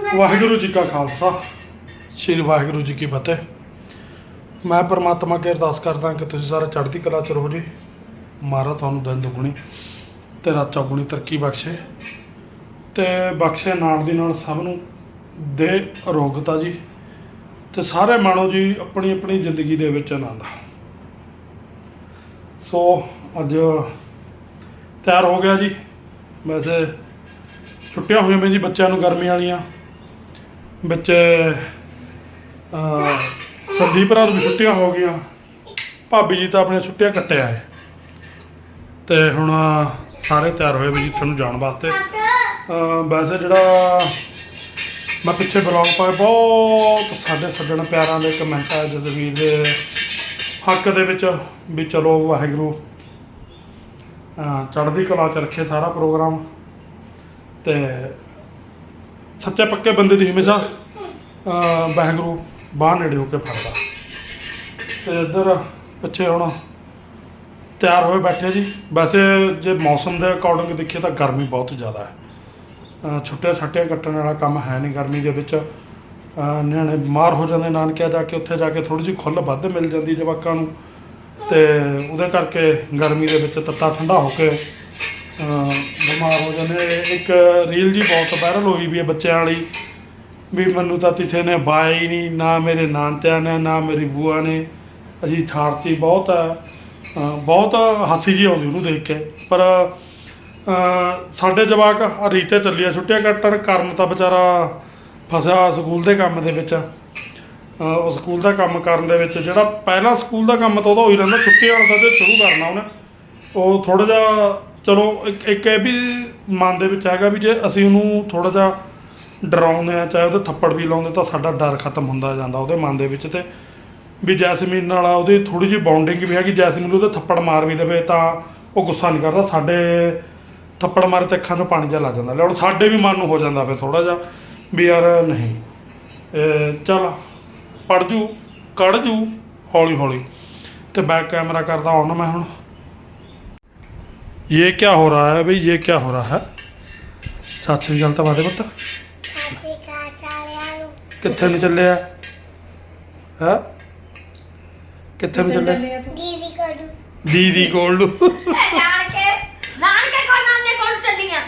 ਵਾਹਿਗੁਰੂ ਜੀ ਕਾ ਖਾਲਸਾ ਸ਼੍ਰੀ ਵਾਹਿਗੁਰੂ ਜੀ ਕੀ ਫਤਿਹ। ਮੈਂ ਪਰਮਾਤਮਾ ਅੱਗੇ ਅਰਦਾਸ ਕਰਦਾ ਕਿ ਤੁਸੀਂ ਸਾਰੇ ਚੜ੍ਹਦੀ ਕਲਾ 'ਚ ਰਹੋ ਜੀ। ਮਹਾਰਾਜ ਤੁਹਾਨੂੰ ਦਿਨ ਦੁਗਣੀ ਤੇ ਰਾਤ ਚੌਗੁਣੀ ਤਰੱਕੀ ਬਖਸ਼ੇ ਤੇ ਬਖਸ਼ੇ ਨਾਲ ਦੀ ਨਾਲ ਸਭ ਨੂੰ ਦੇ ਅਰੋਗਤਾ ਜੀ ਤੇ ਸਾਰੇ ਮਾਣੋ ਜੀ ਆਪਣੀ ਆਪਣੀ ਜ਼ਿੰਦਗੀ ਦੇ ਵਿੱਚ ਆਨੰਦ। ਸੋ ਅੱਜ ਤਿਆਰ ਹੋ ਗਿਆ ਜੀ। ਵੈਸੇ ਛੁੱਟੀਆਂ ਹੋਈਆਂ ਪਈਆਂ ਜੀ ਬੱਚਿਆਂ ਨੂੰ ਗਰਮੀ ਵਾਲੀਆਂ। ਵਿੱਚ ਸੰਦੀਪ ਭਰਾ ਨੂੰ ਵੀ ਛੁੱਟੀਆਂ ਹੋ ਗਈਆਂ। ਭਾਬੀ ਜੀ ਤਾਂ ਆਪਣੀਆਂ ਛੁੱਟੀਆਂ ਕੱਟੇ ਆਏ ਤੇ ਹੁਣ ਸਾਰੇ ਤਿਆਰ ਹੋਏ ਵੀ ਜਿੱਥੇ ਨੂੰ ਜਾਣ ਵਾਸਤੇ। ਵੈਸੇ ਜਿਹੜਾ ਮੈਂ ਪਿੱਛੇ ਬਲੌਗ ਪਾਇਆ ਬਹੁਤ ਸਾਡੇ ਸੱਜਣ ਪਿਆਰਾਂ ਦੇ ਕਮੈਂਟ ਆਏ ਜਸਵੀਰ ਦੇ ਹੱਕ ਦੇ ਵਿੱਚ ਵੀ ਚਲੋ ਵਾਹਿਗੁਰੂ ਚੜ੍ਹਦੀ ਕਲਾ 'ਚ ਰੱਖੇ ਸਾਰਾ ਪ੍ਰੋਗਰਾਮ ਤੇ ਸੱਚੇ ਪੱਕੇ ਬੰਦੇ ਦੀ ਹਮੇਸ਼ਾ ਵਾਹਿਗੁਰੂ ਬਾਹਰ ਨੇੜੇ ਹੋ ਕੇ ਫੜਦਾ। ਤੇ ਇੱਧਰ ਪਿੱਛੇ ਹੁਣ ਤਿਆਰ ਹੋਏ ਬੈਠੇ ਜੀ। ਵੈਸੇ ਜੇ ਮੌਸਮ ਦੇ ਅਕੋਰਡਿੰਗ ਦੇਖੀਏ ਤਾਂ ਗਰਮੀ ਬਹੁਤ ਜ਼ਿਆਦਾ ਹੈ। ਛੁੱਟੀਆਂ ਛਾਟੀਆਂ ਕੱਟਣ ਵਾਲਾ ਕੰਮ ਹੈ ਨਹੀਂ ਗਰਮੀ ਦੇ ਵਿੱਚ। ਨਿਆਣੇ ਬਿਮਾਰ ਹੋ ਜਾਂਦੇ ਨਾਨਕਿਆ ਜਾ ਕੇ, ਉੱਥੇ ਜਾ ਕੇ ਥੋੜ੍ਹੀ ਜਿਹੀ ਖੁੱਲ੍ਹ ਵੱਧ ਮਿਲ ਜਾਂਦੀ ਜਵਾਕਾਂ ਨੂੰ ਤੇ ਉਹਦੇ ਕਰਕੇ ਗਰਮੀ ਦੇ ਵਿੱਚ ਤੱਤਾ ਠੰਡਾ ਹੋ ਕੇ ਬਿਮਾਰ ਹੋ ਜਾਂਦੇ। ਇੱਕ ਰੀਲ ਜੀ ਬਹੁਤ ਵਾਇਰਲ ਹੋਈ ਵੀ ਹੈ ਬੱਚਿਆਂ ਵਾਲੀ ਵੀ ਮੈਨੂੰ ਤਾਂ ਕਿਸੇ ਨੇ ਬਾਇਆ ਹੀ ਨਹੀਂ, ਨਾ ਮੇਰੇ ਨਾਨਕਿਆਂ ਨੇ ਨਾ ਮੇਰੀ ਬੂਆ ਨੇ। ਅਸੀਂ ਛਾੜਤੀ ਬਹੁਤ ਬਹੁਤ ਹਾਸੀ ਜੀ ਆਉਂਦੀ ਉਹਨੂੰ ਦੇਖ ਕੇ। ਪਰ ਸਾਡੇ ਜਵਾਕ ਰੀਤੇ ਚੱਲੀ ਆ ਛੁੱਟੀਆਂ ਕੱਟਣ। ਕਰਨ ਤਾਂ ਵਿਚਾਰਾ ਫਸਿਆ ਸਕੂਲ ਦੇ ਕੰਮ ਦੇ ਵਿੱਚ। ਉਹ ਸਕੂਲ ਦਾ ਕੰਮ ਕਰਨ ਦੇ ਵਿੱਚ ਜਿਹੜਾ ਪਹਿਲਾਂ ਸਕੂਲ ਦਾ ਕੰਮ ਤਾਂ ਉਹਦਾ ਹੋਈ ਰਹਿੰਦਾ, ਛੁੱਟੀਆਂ ਵਾਲਾ ਤਾਂ ਸ਼ੁਰੂ ਕਰਨਾ ਉਹਨੇ। ਉਹ ਥੋੜ੍ਹਾ ਜਿਹਾ ਚਲੋ ਇੱਕ ਇਹ ਵੀ ਮਨ ਦੇ ਵਿੱਚ ਹੈਗਾ ਵੀ ਜੇ ਅਸੀਂ ਉਹਨੂੰ ਥੋੜ੍ਹਾ ਜਿਹਾ ਡਰਾਉਂਦੇ ਹਾਂ, ਚਾਹੇ ਉਹਦੇ ਥੱਪੜ ਵੀ ਲਾਉਂਦੇ ਤਾਂ ਸਾਡਾ ਡਰ ਖਤਮ ਹੁੰਦਾ ਜਾਂਦਾ ਉਹਦੇ ਮਨ ਦੇ ਵਿੱਚ। ਤੇ ਵੀ ਜੈਸਮੀਨ ਨਾਲ ਉਹਦੀ ਥੋੜ੍ਹੀ ਜਿਹੀ ਬਾਉਂਡਿੰਗ ਵੀ ਹੈਗੀ। ਜੈਸਮੀਨ ਉਹਦੇ ਥੱਪੜ ਮਾਰ ਵੀ ਦੇਵੇ ਤਾਂ ਉਹ ਗੁੱਸਾ ਨਹੀਂ ਕਰਦਾ। ਸਾਡੇ ਥੱਪੜ ਮਾਰੇ ਤੇ ਅੱਖਾਂ 'ਚੋਂ ਪਾਣੀ ਜਿਹਾ ਲੱਗ ਜਾਂਦਾ। ਹੁਣ ਸਾਡੇ ਵੀ ਮਨ ਨੂੰ ਹੋ ਜਾਂਦਾ ਫਿਰ ਥੋੜ੍ਹਾ ਜਿਹਾ ਵੀ ਯਾਰ ਨਹੀਂ ਚੱਲ ਪੜ ਜੂ ਕੱਢ ਜੂ ਹੌਲੀ ਹੌਲੀ। ਤੇ ਬੈਕ ਕੈਮਰਾ ਕਰਦਾ ਔਨ ਮੈਂ ਹੁਣ। ये क्या हो रहा है भाई, ये क्या हो रहा है? सत श्री अकाल तो बादे पुत्त कित्थे ਨੂੰ ਚੱਲਿਆ ਹੈ? ਕਿੱਥੇ ਨੂੰ ਚੱਲਿਆ? ਦੀਦੀ ਕੋਲ ਨੂੰ ਨਾਨਕੇ ਕੋਲ ਚੱਲੀਆਂ।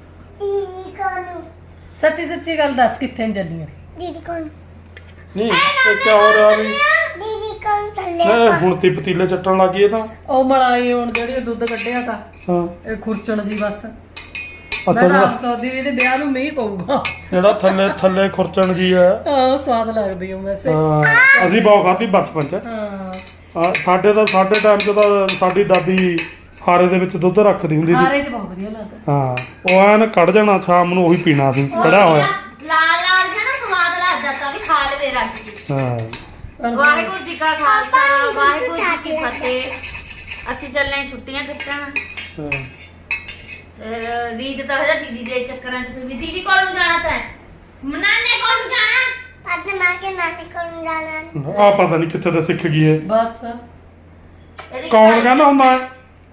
ਸੱਚੀ ਸੱਚੀ ਗੱਲ ਦੱਸ ਕਿੱਥੇ ਨੂੰ ਚੱਲੀਆਂ? ਦੀਦੀ ਕੋਲ ਨਹੀਂ ਇਹ ਕੀ ਹੋ ਰਿਹਾ ਵੀ? ਦੀਦੀ ਕੋਲ ਚੱਲੇ ਹੁਣ ਤੀ ਪਤੀਲੇ ਚੱਟਣ ਲੱਗੀ ਇਹ ਤਾਂ। ਉਹ ਮਲਾਈ ਹੁਣ ਜਿਹੜੀ ਦੁੱਧ ਕੱਢਿਆ ਤਾਂ ਹਾਂ ਇਹ ਖੁਰਚਣ ਜੀ ਬਸ। ਅੱਛਾ ਮੈਂ ਤਾਂ ਦੀ ਇਹਦੇ ਵਿਆਹ ਨੂੰ ਮੀਂਹ ਪਊਗਾ ਜਿਹੜਾ ਥੱਲੇ ਥੱਲੇ ਖੁਰਚਣ ਜੀ ਹੈ। ਹਾਂ ਸਵਾਦ ਲੱਗਦੀ ਉਹ ਵੈਸੇ। ਅਸੀਂ ਬਹੁਤ ਖਾਧੀ ਬਚਪਨ ਚ। ਸਾਡੇ ਟਾਈਮ ਚ ਤਾਂ ਸਾਡੀ ਦਾਦੀ ਹਾਰੇ ਦੇ ਵਿੱਚ ਦੁੱਧ ਰੱਖਦੀ ਹੁੰਦੀ ਸੀ। ਹਾਰੇ ਚ ਬਹੁਤ ਵਧੀਆ ਲੱਗਦਾ। ਹਾਂ ਉਹ ਐਨ ਕੱਢ ਜਾਣਾ ਸ਼ਾਮ ਨੂੰ ਉਹੀ ਪੀਣਾ ਸੀ ਕੜਿਆ ਹੋਇਆ। ਲਾਲ ਲਾਲ ਜਿਹਾ ਨਾ ਸਵਾਦ ਲੱਗਦਾ ਤਾਂ ਵੀ ਖਾ ਲਵੇ ਰੱਜ ਕੇ। ਹਾਂ ਵਾਹਿਗੁਰੂ ਜੀ ਕਾ ਖਾਲਸਾ ਵਾਹਿਗੁਰੂ ਜੀ ਕੀ ਫਤਿਹ। ਅਸੀਂ ਚੱਲੇ ਛੁੱਟੀਆਂ ਕੱਟਣ। ਰੀਤ ਤਾਂ ਹਜੇ ਦੀਦੀ ਦੇ ਚੱਕਰਾਂ 'ਚ ਵੀ ਦੀਦੀ ਕੋਲ ਨੂੰ ਜਾਣਾ ਤਾਂ ਨਾਨੇ ਕੋਲ ਨੂੰ ਜਾਣਾ। ਅੱਜ ਮਾਂ ਕੇ ਨਾਨੇ ਕੋਲ ਨੂੰ ਜਾਣਾ। ਆ ਪਤਾ ਨਹੀਂ ਕਿੱਥੇ ਦਾ ਸਿੱਖ ਗਈ ਹੈ। ਬਸ ਕੌਣ ਕਹਿੰਦਾ ਹੁੰਦਾ ਹੈ?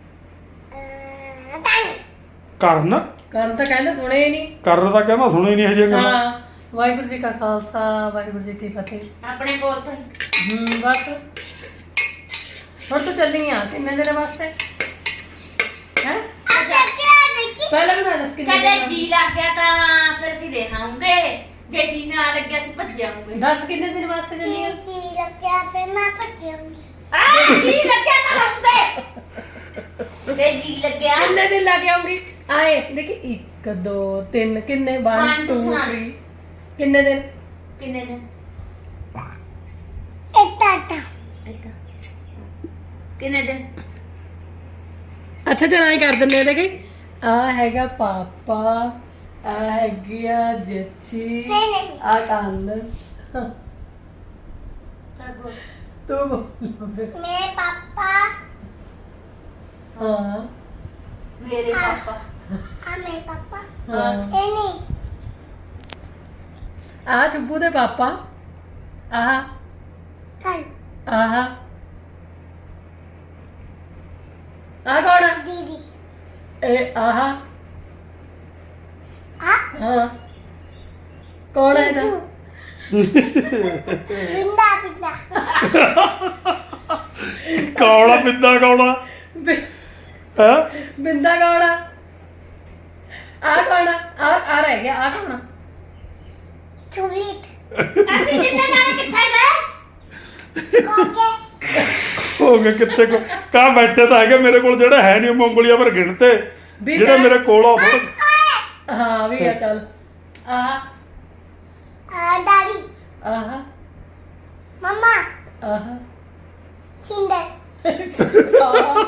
ਕਰਨ ਕਰਨ ਤਾਂ ਕਹਿੰਦੇ ਸੁਣੇ ਹੀ ਨਹੀਂ। ਕਰਨ ਤਾਂ ਕਹਿੰਦਾ ਸੁਣੇ ਹੀ ਨਹੀਂ ਹਜੇ ਗੱਲ। ਹਾਂ ਵਾਹਿਗੁਰੂ ਜੀ ਕਾ ਖਾਲਸਾ ਵਾਹਿਗੁਰੂ ਜੀ ਕੀ ਫਤਿਹ। ਆਪਣੇ ਕੋਲ ਤੋਂ ਬਸ ਹੁਣ ਤਾਂ ਚੱਲੀ ਆ ਕਿੰਨੇ ਦਿਨ ਵਾਸਤੇ ਹੈ? ਪਹਿਲਾਂ ਵੀ ਮੈਂ ਦੱਸ ਕਿੰਨੇ ਕਦੇ ਦਿਨ ਜੀ ਲੱਗ ਗਿਆ ਤਾਂ ਫਿਰ ਅਸੀਂ ਰਹਾਂਗੇ, ਜੇ ਜੀ ਨਾ ਲੱਗਿਆ ਅਸੀਂ ਭੱਜ ਜਾਵਾਂਗੇ। ਦੱਸ ਕਿੰਨੇ ਦਿਨ ਵਾਸਤੇ ਚੱਲੀ ਆ? ਜੀ ਲੱਗਿਆ ਫਿਰ ਮੈਂ ਭੱਜ ਜਾਵਾਂਗੀ। ਜੀ ਲੱਗਿਆ ਤਾਂ ਰਹੂੰਗੇ ਤੇ ਜੀ ਲੱਗਿਆ ਕਿੰਨੇ ਦਿਨ ਲੱਗ ਆਉਂਗੀ? ਆਏ ਦੇਖੀ 1 2 3 ਕਿੰਨੇ 1 2 3 ਕਿੰਨੇ ਦਿਨ? ਕਿੰਨੇ ਦਿਨ? ਇੱਕ ਕਿੰਨੇ ਦਿਨ? ਅੱਛਾ ਚਲ ਐਂ ਕਰ ਦਿੰਦੇ ਆ। ਦੇਖੀ ਆ ਹੈਗਾ ਪਾਪਾ, ਆ ਹੈਗੀ ਆ ਜੱਚੀ, ਆ ਕੰਨ ਤੂੰ ਬੋਲ। ਮੇਰੇ ਪਾਪਾ ਹਾਂ ਮੇਰੇ ਪਾਪਾ ਮੇਰੇ ਪਾਪਾ ਹਾਂ ਇਹ ਨਹੀਂ ਆ ਚੁੱਪੂ ਦੇ ਪਾਪਾ। ਆਹ ਕੱਲ ਆਹ ਆ ਕੌਣ ਆ? ਦੀਦੀ ਇਹ ਆਹ ਹਾਂ ਕੌਣ ਹੈ ਇਹਦਾ ਕੌੜਾ ਪਿੰਦਾ ਕੌੜਾ ਹੈ ਬਿੰਦਾ ਕੌਣ ਆ ਕੌਣ ਆ ਰਹਿ ਗਿਆ ਆ ਕੌਣ ਅਸੀਂ ਕਿੰਨੇ ਜਾਣੇ ਕਿੱਥੇ ਗਏ ਹੋ ਗਏ ਕਿੱਥੇ ਕੋ ਕਾ ਬੈਠੇ ਤਾਂ ਹੈਗੇ ਮੇਰੇ ਕੋਲ ਜਿਹੜਾ ਹੈ ਨਹੀਂ ਉਂਗਲੀਆਂ ਪਰ ਗਿਣਤੇ ਵੀ ਜਿਹੜਾ ਮੇਰੇ ਕੋਲ ਆ ਥੋੜਾ ਹਾਂ ਵੀ ਆ ਚੱਲ ਆਹ ਦਾਦੀ ਆਹ ਮਮਾ ਆਹ ਸਿੰਦਰ ਆਹ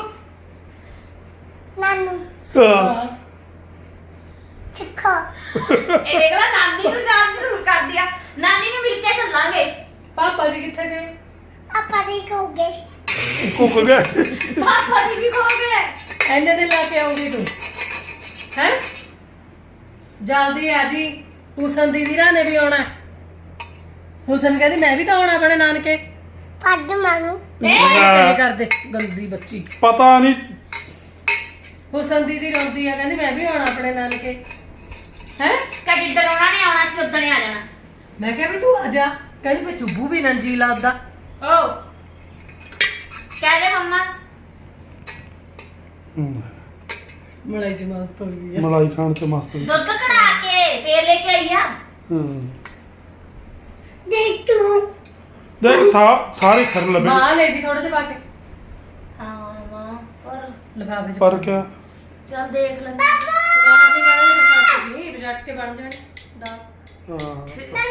ਨਾਨੂ ਆਹ, ਚਿੱਕੋ ਇਹ ਦੇਖਲਾ ਨਾਨੀ ਨੂੰ ਯਾਦ ਜ਼ਰੂਰ ਕਰ ਦਿਆ ਨਾਨੀ ਨੂੰ ਮਿਲ ਕੇ ਚੱਲਾਂਗੇ ਪਾਪਾ ਜੀ ਕਿੱਥੇ ਗਏ ਪਾਪਾ ਜੀ ਕੋ ਗਏ ਕੁੱਕ ਗਏ ਪਾਪਾ ਜੀ ਵੀ ਕੋ ਗਏ ਐਨੇ ਦੇ ਲਾ ਕੇ ਆਉਂਗੀ ਤੂੰ ਹੈ ਜਲਦੀ ਆ ਜੀ ਹੁਸਨ ਦੀਦੀ ਰਾਂ ਨੇ ਵੀ ਆਉਣਾ ਹੁਸਨ ਕਹਿੰਦੀ ਮੈਂ ਵੀ ਤਾਂ ਆਉਣਾ ਆਪਣੇ ਨਾਨਕੇ ਪੱਦ ਮਾਨੂੰ ਇਹ ਕਰਦੇ ਗੰਦੀ ਬੱਚੀ ਪਤਾ ਨਹੀਂ ਹੁਸਨ ਦੀਦੀ ਰੋਂਦੀ ਆ ਕਹਿੰਦੀ ਮੈਂ ਵੀ ਆਉਣਾ ਆਪਣੇ ਨਾਨਕੇ ਹੈ ਕਦੀ ਜਿੱਦਣ ਉਹਨਾਂ ਨੇ ਆਉਣਾ ਸੀ ਉਦਣ ਹੀ ਆ ਜਾਣਾ ਮੈਂ ਕਿਹਾ ਵੀ ਤੂੰ ਆ ਜਾ ਕਹਿੰਦੀ ਮੈਂ ਚੁੱਬੂ ਵੀ ਨੰਜੀ ਲਾਦਾ ਓ ਕਹਿ ਦੇ ਮੰਮਾ ਮਲਾਈ ਜੀ ਮਸਤ ਹੋ ਗਈ ਆ ਮਲਾਈ ਖਾਣ ਚ ਮਸਤ ਹੋਈ। ਦੁੱਧ ਕਢਾ ਕੇ ਫੇਰ ਲੈ ਕੇ ਆਈ ਆ ਹੂੰ ਦੇਖ ਤੂੰ ਦੇਖ ਸਾਰੇ ਖਰਨ ਲੱਭੇ ਮਾਂ ਲੈ ਜੀ ਥੋੜਾ ਜਿਹਾ ਪਾ ਕੇ ਹਾਂ ਮਾਂ ਪਰ ਲਿਫਾਫੇ ਚ ਪਰ ਕਿਆ ਚੱਲ ਦੇਖ ਲੈ ਸਵਾਰ ਦੇ ਨਾਲ ਕੱਟ ਗਈ ਬਜਟ ਕੇ ਬਣ ਜਾਣ ਦਾ ਹਾਂ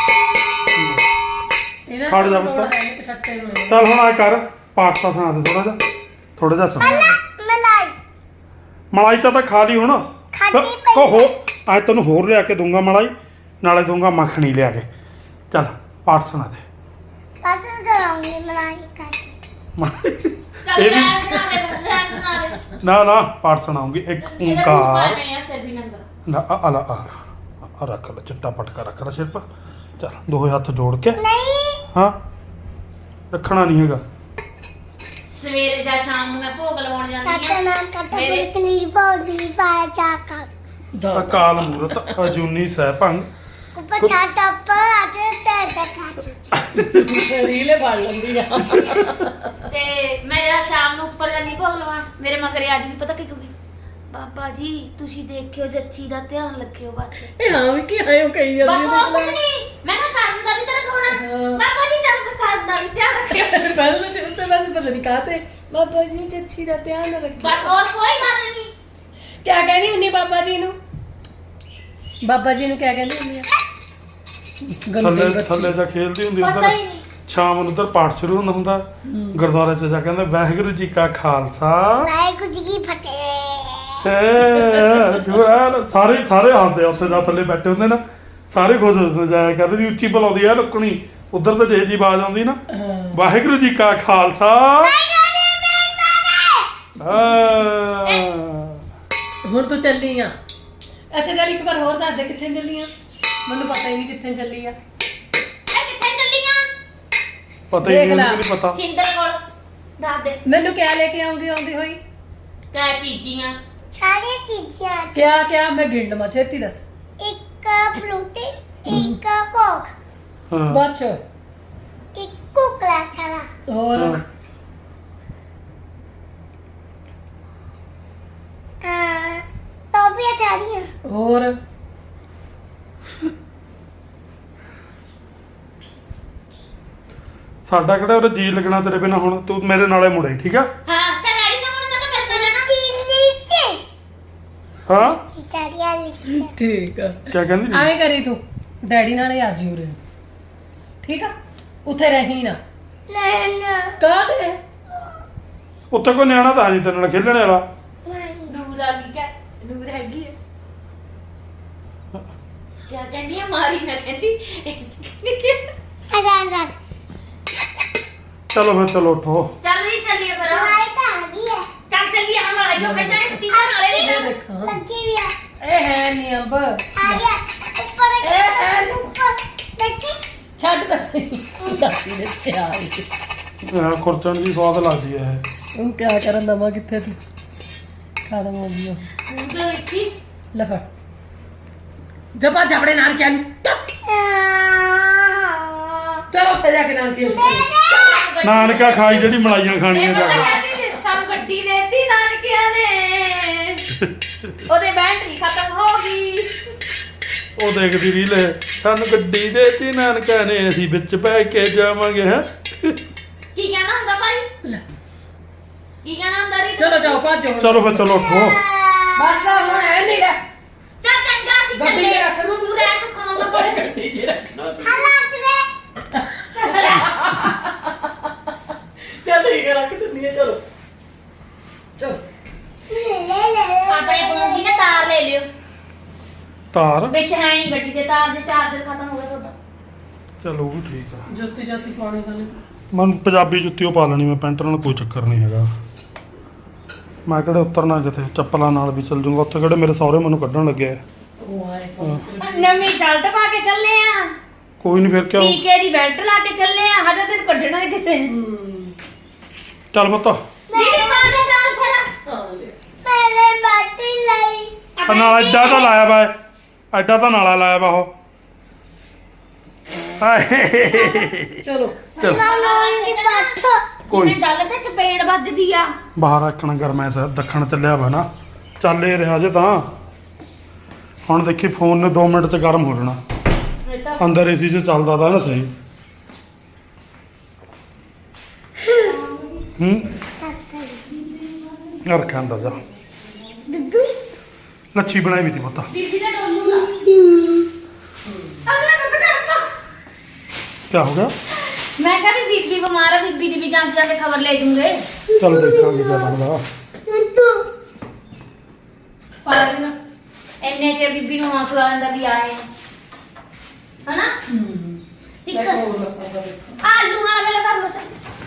ਇਹਨਾਂ ਖੜ ਜਾ ਨੂੰ ਪੁੱਤ। ਲੋੜ ਹੈ ਨੀ, ਛੱਟੇ ਨੂੰ ਇਹ। ਚੱਲ ਹੁਣ ਆ ਕਰ ਪਾਠ ਤਾਂ ਸੁਣਾ ਦੇ ਥੋੜਾ ਜਿਹਾ ਸੁਣਾ ਮਲਾਈ ਮਲਾਈ ਤਾਂ ਖਾ ਲਈ ਹੁਣ ਖਾਧੀ ਪਈ ਕੋ ਹੋ ਅੱਜ ਤੈਨੂੰ ਹੋਰ ਲਿਆ ਕੇ ਦੂੰਗਾ ਮਲਾਈ ਨਾਲੇ ਦੂੰਗਾ ਮੱਖਣੀ ਲਿਆ ਕੇ ਚੱਲ ਪਾਠ ਸੁਣਾ ਦੇ ਪਾਪਾ ਚਲਾਉਂਗੀ ਮਲਾਈ ਕਰ ਚੱਲ ਇਹ ਵੀ ਲੈ ਸੁਣਾ ਦੇ ਨਾ ਪਾਠ ਸੁਣਾਉਂਗੀ ਇੱਕ ਓੰਕਾਰ ਮੈਂ ਸਿਰ ਵੀ ਨੰਗਾ ਨਾ ਆ ਰੱਖ ਲੈ ਚਿੱਟਾ ਪਟਕਾ ਰੱਖ ਲੈ ਸਿਰ ਪਰ ਚੱਲ ਦੋਹੇ ਹੱਥ ਜੋੜ ਕੇ ਨਹੀਂ ਹਾਂ ਰੱਖਣਾ ਨਹੀਂ ਹੈਗਾ ਸਵੇਰੇ ਜਾਂ ਸ਼ਾਮ ਨੂੰ ਮੈਂ ਭੋਗ ਲਵਾਉਣ ਜਾਂਦੀ ਆ ਸਤਨਾਮ ਕਰਤਾ ਮੇਰੇ- ਪੁਰਖ ਨਿਰਭਉ ਪਾਇਆ ਚਾਕਾ ਅਕਾਲ ਮੂਰਤ ਅਜੂਨੀ ਸਹਿਭੰਗ ਉੱਪਰ ਛੱਤ ਉੱਪਰ ਅਤੇ ਤੇ ਦਿਖਾ ਰੀਲੇ ਫੜ ਲੈਂਦੀ ਆ ਤੇ ਮੈਂ ਜਾਂ ਸ਼ਾਮ ਨੂੰ ਉੱਪਰ ਜਾਂਦੀ ਭੋਗ ਲਵਾਉਣ ਮੇਰੇ ਮਗਰ ਅੱਜ ਵੀ ਪਤਾ ਕੀ ਕਹੂਗੀ ਬਾਬਾ ਜੀ ਤੁਸੀਂ ਦੇਖਿਓ ਜੱਚੀ ਦਾ ਧਿਆਨ ਰੱਖਿਓ ਬੱਚੇ ਇਹ ਹਾਂ ਵੀ ਕੀ ਆਇਓ ਕਹੀ ਬਸ ਜਾਂਦੀ ਹੋਰ ਕੁਝ ਨਹੀਂ ਮੈਂ ਕਿਹਾ ਕਰਨ ਦਾ ਵੀ ਤਾਂ ਰਖਾਉਣਾ ਹਾਂ। ਬਾਬਾ ਜੀ ਚੱਲ ਮੈਂ ਕਰਨ ਦਾ ਵੀ ਧਿਆਨ ਰੱਖਿਓ ਪਹਿਲਾਂ ਚਿਰ ਤੇ ਬਸ ਪਤਾ ਨਹੀਂ ਕਾਤੇ ਬਾਬਾ ਜੀ ਜੱਚੀ ਦਾ ਧਿਆਨ ਰੱਖੀ ਬਸ ਹੋਰ ਕੋਈ ਗੱਲ ਨਹੀਂ ਕਿਆ ਕਹਿੰਦੀ ਹੁੰਦੀ ਬਾਬਾ ਜੀ ਨੂੰ ਬਾਬਾ ਜੀ ਨੂੰ ਕਿਆ ਕਹਿੰਦੀ ਹੁੰਦੀ ਆ ਥੱਲੇ ਜਾ ਖੇਲਦੀ ਹੁੰਦੀ ਪਤਾ ਉਧਰ ਹੀ ਨਹੀਂ ਸ਼ਾਮ ਨੂੰ ਉਧਰ ਪਾਠ ਸ਼ੁਰੂ ਹੁੰਦਾ ਗੁਰਦੁਆਰੇ 'ਚ ਜਾ ਕਹਿੰਦੇ ਵਾਹਿਗੁਰੂ ਜੀ ਕਾ ਖਾਲਸਾ ਵਾਹਿਗੁਰੂ ਜੀ ਕੀ ਫਤਿਹ ਸਾਰੇ ਹੱਸਦੇ ਆ ਉੱਥੇ ਜਾ ਥੱਲੇ ਬੈਠੇ ਹੁੰਦੇ ਨਾ ਸਾਰੇ ਖੁਸ਼ ਹੁੰਦੇ ਜਾਇਆ ਕਰਦੇ ਦੀ ਉੱਚੀ ਬੁਲਾਉਂਦੀ ਆ ਲੁਕਣੀ ਉਧਰ ਤਾਂ ਜੇ ਜੀ ਆਵਾਜ਼ ਆਉਂਦੀ ਨਾ ਹਾਂ ਵਾਹਿਗੁਰੂ ਜੀ ਕਾ ਖਾਲਸਾ ਹੁਣ ਤੂੰ ਚੱਲੀ ਆ ਅੱਛਾ ਚੱਲ ਇੱਕ ਵਾਰ ਹੋਰ ਦੱਸ ਦੇ ਕਿੱਥੇ ਚੱਲੀ ਆ ਮੈਨੂੰ ਪਤਾ ਹੀ ਨਹੀਂ ਕਿੱਥੇ ਚੱਲੀ ਆ ਮੈਂ ਕਿੱਥੇ ਚੱਲੀ ਆ ਪਤਾ ਹੀ ਦੇਖ ਨਹੀਂ ਲੈ। ਉਹਨੂੰ ਨਹੀਂ ਪਤਾ ਸਿੰਦਰ ਕੋਲ ਦੱਸ ਦੇ ਮੈਨੂੰ ਕਿਆ ਲੈ ਕੇ ਆਉਂਦੀ ਹੋਈ ਕਾ ਚੀਜ਼ੀਆਂ ਸਾਰੀਆਂ ਚੀਜ਼ਾਂ ਕਿਆ ਕਿਆ ਮੈਂ ਗਿਣ ਲਵਾਂ ਛੇਤੀ ਦੱਸ ਇੱਕ ਫਰੂਟੀ ਇੱਕ ਕੋਕ ਹਾਂ ਬੱਚ ਇੱਕ ਕੁਕਲਾ ਛਾਲਾ ਹੋਰ ਹਾਂ। ਟੋਪੀਆਂ ਸਾਰੀਆਂ ਹੋਰ ਸਾਡਾ ਕਿਹੜਾ ਉਹ ਜੀ ਲੱਗਣਾ ਤੇਰੇ ਬਿਨਾ ਹੁਣ ਤੂੰ ਮੇਰੇ ਨਾਲੇ ਮੁੜੇ ਠੀਕ ਆ ਹਾਂ ਤੇ ਡੈਡੀ ਨਾਲ ਮੁੜਨਾ ਤਾਂ ਮੇਰੇ ਨਾਲ ਜਾਣਾ ਚੀਲੀ ਤੇ ਹਾਂ ਚਿਚੜੀਆਂ ਲਿਖੀਆਂ ਠੀਕ ਆ ਕਿਆ ਕਹਿੰਦੀ ਆਏ ਕਰੀ ਤੂੰ ਡੈਡੀ ਨਾਲ ਹੀ ਆ ਜੀ ਉਰੇ ਠੀਕ ਆ ਉੱਥੇ ਰਹੀ ਨਾ ਨਾ ਕਾਹਦੇ ਉੱਥੇ ਕੋਈ ਨਿਆਣਾ ਤਾਂ ਨਹੀਂ ਤੇਰੇ ਨਾਲ ਖੇਲਣੇ ਵਾਲਾ ਨੂਰ ਆ ਗਈ ਕਿਆ ਨੂਰ ਹੈਗੀ ਹੈ ਕਿਆ ਕਹਿੰਦੀ ਆ ਮਾਰੀ ਨਾ ਕਹਿੰਦੀ ਹਜ਼ਾਰ ਚਲੋ ਫਿਰ ਚਲੋ ਉੱਠੋ ਚੱਲ ਵੀ ਚੱਲੀਏ ਫਿਰ ਲਾਈ ਤਾਂ ਆ ਗਈ ਹੈ ਚੱਲ ਚੱਲੀਏ ਹਮ ਲੜਾਈਓ ਖੱਟਾਂ ਕੁੱਤੀ ਦਾ ਨਾਲੇ ਇਹ ਵੀ ਦੇਖਾਂ ਲੱਗੀ ਵੀ ਆ ਇਹ ਹੈ ਨਹੀਂ ਅੰਬ ਆ ਗਿਆ ਉੱਪਰ ਇਹ ਉੱਪਰ ਦੇਖੀ ਛੱਡ ਤਾਂ ਸਹੀ ਦੱਸੀ ਦੇ ਤੇ ਆ ਗਈ ਖੁਰਚਣ ਦੀ ਸਵਾਦ ਲੱਗਦੀ ਹੈ ਹੁਣ ਕਿਆ ਕਰਨ ਦਵਾਂ ਕਿੱਥੇ ਤੂੰ ਖਤਮ ਹੋ ਗਈ ਹੁਣ ਤਾਂ ਦੇਖੀ ਲੈ ਫੜ ਜਪਾ ਜਬੜੇ ਨਾਲ ਕਿਆ ਨੂੰ ਚਲੋ ਉੱਥੇ ਜਾ ਕੇ ਨਾਨਕੇ ਨਾਨਕਾ ਖਾਈ ਜਿਹੜੀ ਮਲਾਈਆਂ ਖਾਣੀਆਂ ਜਾ ਕੇ। ਸਾਨੂੰ ਗੱਡੀ ਦੇਤੀ ਨਾਨਕਿਆਂ ਨੇ ਉਹਦੇ ਬੈਟਰੀ ਖਤਮ ਹੋ ਗਈ। ਉਹ ਦੇਖਦੀ ਰੀਲ ਹੈ, ਸਾਨੂੰ ਗੱਡੀ ਦੇਤੀ ਨਾਨਕਾ ਨੇ, ਅਸੀਂ ਵਿੱਚ ਬਹਿ ਕੇ ਜਾਵਾਂਗੇ। ਹੈ ਕੀ ਕਹਿਣਾ ਹੁੰਦਾ ਭਾਈ? ਕੀ ਕਹਿਣਾ ਹੁੰਦਾ ਰੀ? ਚਲੋ ਜਾਓ ਭੱਜੋ ਚਲੋ ਫਿਰ ਚਲੋ ਉੱਠੋ। ਬਸ ਆ ਹੁਣ ਐ ਨਹੀਂ ਰਹਿ ਚਾ ਚੰਗਾ ਸੀ ਗੱਡੀ 'ਚ ਰੱਖ ਲਓ ਤੂੰ ਰਹਿ ਸੁੱਖਾ ਮੰਮਾ ਕੋਲ। ਗੱਡੀ 'ਚ ਰੱਖ ਦੋ ਚੱਲ ਠੀਕ ਹੈ ਰੱਖ ਦਿੰਦੀ ਹੈ ਚਲੋ ਚਲੋ ਆਪਣੇ ਫੋਨ ਦੀ ਨਾ ਤਾਰ ਲੈ ਲਿਓ, ਤਾਰ ਵਿੱਚ ਹੈ ਨਹੀਂ ਗੱਡੀ ਦੇ ਤਾਰ, ਜੇ ਚਾਰਜਰ ਖਤਮ ਹੋ ਗਿਆ ਤੁਹਾਡਾ। ਚਲੋ ਉਹ ਵੀ ਠੀਕ ਆ। ਜੁੱਤੀ ਜਾਤੀ ਪਾਉਣੀ ਸਾਨੂੰ ਮਨ ਪੰਜਾਬੀ ਜੁੱਤੀ ਉਹ ਪਾ ਲੈਣੀ ਮੈਂ, ਪੈਂਟ ਨਾਲ ਕੋਈ ਚੱਕਰ ਨਹੀਂ ਹੈਗਾ। ਮੈਂ ਕਿਹੜੇ ਉਤਰਨਾ ਕਿਤੇ, ਚੱਪਲਾਂ ਨਾਲ ਵੀ ਚੱਲ ਜੂੰਗਾ। ਉੱਥੇ ਕਿਹੜੇ ਮੇਰੇ ਸਹੁਰੇ ਮੈਨੂੰ ਕੱਢਣ ਲੱਗੇ ਆ। ਉਹ ਆਏ ਨਵੀਂ ਸ਼ਰਟ ਪਾ ਕੇ ਚੱਲੇ ਆ, ਕੋਈ ਨਹੀਂ ਫਿਰ ਕਿਉਂ। ਸੀਕੇ ਦੀ ਬੈਲਟ ਲਾ ਕੇ ਚੱਲੇ ਆ, ਹਜੇ ਤੈਨੂੰ ਕੱਢਣਾ ਨੀ ਕਿਸੇ ਨੇ। ਚੱਲ ਪੁੱਤ ਦੀਦੀ ਪਾ ਦੇ ਨਾਲ ਫਿਰ ਪਹਿਲੇ ਬਾਟੀ ਲਈ ਆ ਨਾਲ ਐਡਾ ਤਾਂ ਲਾਇਆ ਵਾ, ਐਡਾ ਤਾਂ ਨਾਲਾ ਲਾਇਆ ਵਾ ਉਹ। ਹਾਏ ਚਲੋ ਚੱਲ ਮਾਮਾ ਦੀ ਪੱਠ ਕੋਈ ਜਿਵੇਂ ਗੱਲ ਤੇ ਚਪੇੜ ਵੱਜਦੀ ਆ। ਬਾਹਰ ਰੱਖਣਾ ਗਰਮੈਸ ਦੱਖਣ ਚੱਲਿਆ ਵਾ ਨਾ, ਚੱਲ ਇਹ ਰਿਹਾ ਜੇ ਤਾਂ। ਹੁਣ ਦੇਖੀ ਫੋਨ ਨੇ 2 ਮਿੰਟ 'ਚ ਗਰਮ ਹੋ ਜਾਣਾ। ਇਹ ਤਾਂ ਅੰਦਰ ਏਸੀ 'ਚ ਚੱਲਦਾ ਤਾਂ ਨਾ ਸਹੀ। ਰੱਖਿਆ ਅੰਦਰ ਜਾ। ਦੁੱਧੂ ਲੱਛੀ ਬਣਾਈ ਵੀ ਤੀ ਪੁੱਤ। ਬੀਬੀ ਦਾ ਡੋਲੂ ਦਾ ਅਗਲਾ ਦੁੱਧ ਕਰਤਾ। ਕਿਆ ਹੋ ਗਿਆ? ਮੈਂ ਕਿਹਾ ਵੀ ਬੀਬੀ ਬਿਮਾਰ ਆ, ਬੀਬੀ ਦੀ ਵੀ ਜਾਂਚ ਜਾ ਕੇ ਖਬਰ ਲੈ ਜੂਗੇ। ਚੱਲ ਦੇਖਾਂਗੇ ਕਿਆ ਬਣਦਾ। ਦੁੱਧੂ ਪਾ ਲੈਣਾ ਇੰਨੇ ਚ ਬੀਬੀ ਨੂੰ ਹੌਸਲਾ ਆਉਂਦਾ ਵੀ ਆਏ ਆ, ਹਨਾ? ਇੱਕ ਆਲੂ ਵਾਲਾ ਵੇਲੇ ਕਰ ਲੋ ਚੱਲ।